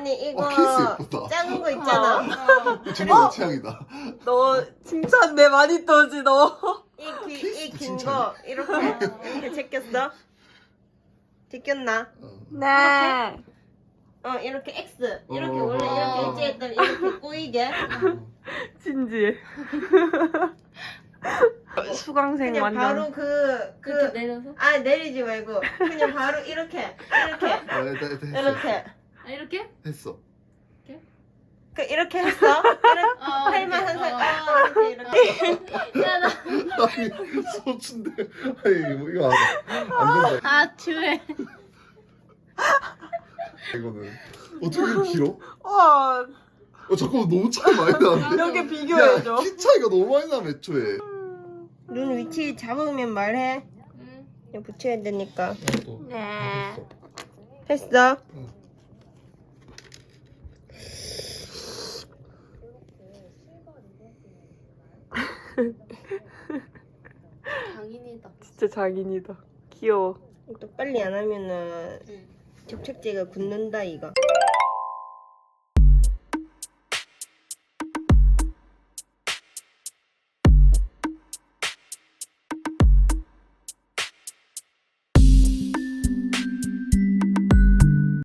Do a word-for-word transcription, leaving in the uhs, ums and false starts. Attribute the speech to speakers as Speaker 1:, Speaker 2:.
Speaker 1: 언니 이거
Speaker 2: 어, 케이스 예쁘다.
Speaker 1: 작은 거 있잖아.
Speaker 2: 정말 내 취향이다.
Speaker 3: 너 칭찬 내 많이 떠지 너.
Speaker 1: 이 긴
Speaker 2: 케이스
Speaker 1: 거 이렇게 이렇게 제꼈어? 제꼈나?
Speaker 2: 어.
Speaker 3: 네.
Speaker 1: 어 이렇게 X 이렇게
Speaker 2: 어.
Speaker 1: 원래 이렇게
Speaker 4: 어.
Speaker 1: 일제했더니 이렇게 꼬이게
Speaker 3: 진지해. 수강생
Speaker 1: 그냥
Speaker 3: 완전.
Speaker 1: 바로 그 그
Speaker 4: 이렇게 내려서?
Speaker 1: 아 내리지 말고 그냥 바로 이렇게 이렇게
Speaker 2: 아, 일단, 일단 했어.
Speaker 1: 이렇게
Speaker 4: 아 이렇게?
Speaker 2: 했어.
Speaker 1: 그 이렇게 했어? 이렇게
Speaker 4: 어,
Speaker 1: 팔만
Speaker 4: 이렇게.
Speaker 1: 항상
Speaker 4: 어.
Speaker 1: 아 이렇게 이렇게
Speaker 4: 야, 나...
Speaker 2: 아니, 소춘데. 아니, 뭐, 이거 안, 안 된다.
Speaker 4: 아 추해.
Speaker 2: 이거는. 어떻게 이렇게 길어?
Speaker 3: 와
Speaker 2: 어, 잠깐만, 너무 차이 많이 나는데?
Speaker 3: 이렇게 비교해줘.
Speaker 2: 야, 키 차이가 너무 많이 나, 애초에.
Speaker 1: 눈 위치 잡으면 말해
Speaker 4: 응.
Speaker 1: 그냥 붙여야 되니까
Speaker 3: 네.
Speaker 1: 했어?
Speaker 4: 장인이다.
Speaker 3: 진짜 장인이다. 귀여워.
Speaker 1: 또 빨리 안 하면은
Speaker 4: 응.
Speaker 1: 접착제가 굳는다 이거